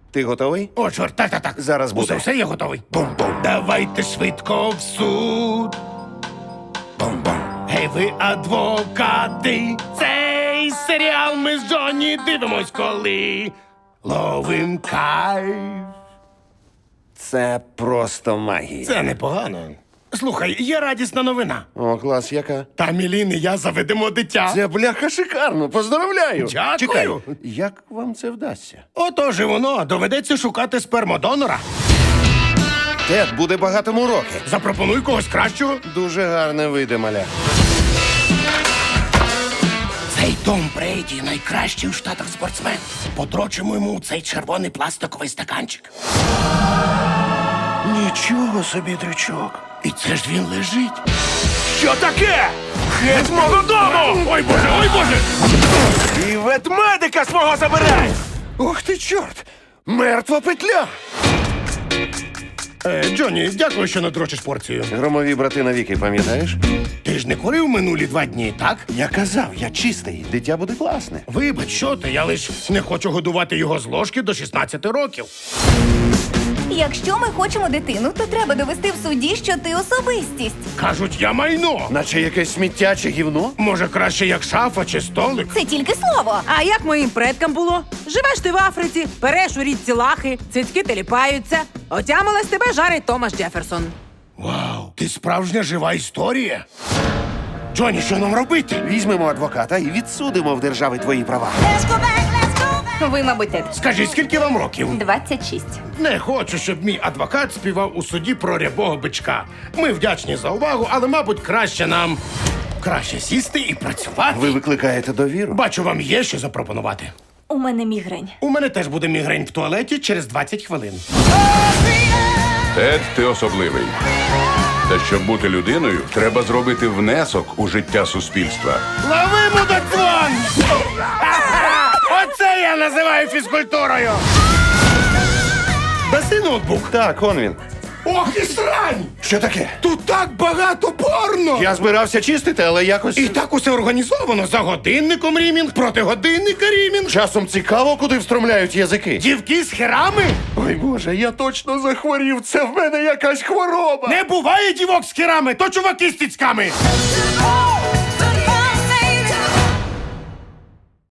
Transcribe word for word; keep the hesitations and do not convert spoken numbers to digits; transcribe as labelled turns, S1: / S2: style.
S1: Ти готовий?
S2: О, чорт, так, так, так.
S1: Зараз буде.
S2: Усе, все, я готовий. Бум-бум. Давайте швидко в суд. Бум-бум. Гей, ви адвокати. Цей серіал ми з Джонні дивимось, коли ловим кайф.
S1: Це просто магія.
S2: Це непогано. Слухай, є радісна новина.
S1: О, клас, яка?
S2: Та Мілін і я заведемо дитя.
S1: Це бляха шикарно, поздравляю.
S2: Дякую.
S1: Чекай, як вам це вдасться?
S2: Отож і воно, доведеться шукати спермодонора.
S1: Тед буде багатому роки.
S2: Запропонуй когось кращого.
S1: Дуже гарне вийде, маля.
S2: Цей Том Брейді найкращий у Штатах спортсмен. Подрочимо йому цей червоний пластиковий стаканчик.
S1: Нічого собі, дрючок.
S2: І це ж він лежить.
S3: Що таке? Геть з мого дому!
S2: Ой, Боже, ой, Боже!
S3: І ветмедика свого забирай!
S1: Ух ти, чорт! Мертва петля!
S2: Е, Джонні, дякую, що надрочиш порцію.
S1: Громові брати навіки, пам'ятаєш?
S2: Ти ж не курив минулі два дні, так?
S1: Я казав, я чистий, дитя буде класне.
S2: Вибач, що ти, я лиш не хочу годувати його з ложки до шістнадцяти років.
S4: Якщо ми хочемо дитину, то треба довести в суді, що ти особистість.
S2: Кажуть, я майно.
S1: Наче якесь сміття чи гівно?
S2: Може, краще як шафа чи столик?
S4: Це тільки слово.
S5: А як моїм предкам було? Живеш ти в Африці, переш у річці лахи, цицьки теліпаються. Отямилась тебе жарить Томас Джеферсон.
S2: Вау, ти справжня жива історія. Джонні, що нам робити?
S1: Візьмемо адвоката і відсудимо в держави твої права.
S4: Ви, мабуть, Тед.
S2: Скажи, скільки вам років?
S4: двадцять шість.
S2: Не хочу, щоб мій адвокат співав у суді про рябого бичка. Ми вдячні за увагу, але, мабуть, краще нам краще сісти і працювати.
S1: Ви викликаєте довіру?
S2: Бачу, вам є що запропонувати.
S4: У мене мігрень.
S2: У мене теж буде мігрень в туалеті через двадцять хвилин.
S6: Тед, ти особливий. Та щоб бути людиною, треба зробити внесок у життя суспільства.
S2: Лови мудаквон! Оце я називаю фізкультурою! Даси ноутбук.
S1: Так, он він.
S2: Ох і срань!
S1: Що таке?
S2: Тут так багато порно!
S1: Я збирався чистити, але якось...
S2: І так усе організовано. За годинником рімінг, проти годинника рімінг.
S1: Часом цікаво, куди встромляють язики.
S2: Дівки з херами?
S1: Ой, Боже, я точно захворів. Це в мене якась хвороба.
S2: Не буває дівок з херами, то чуваки з тіцьками.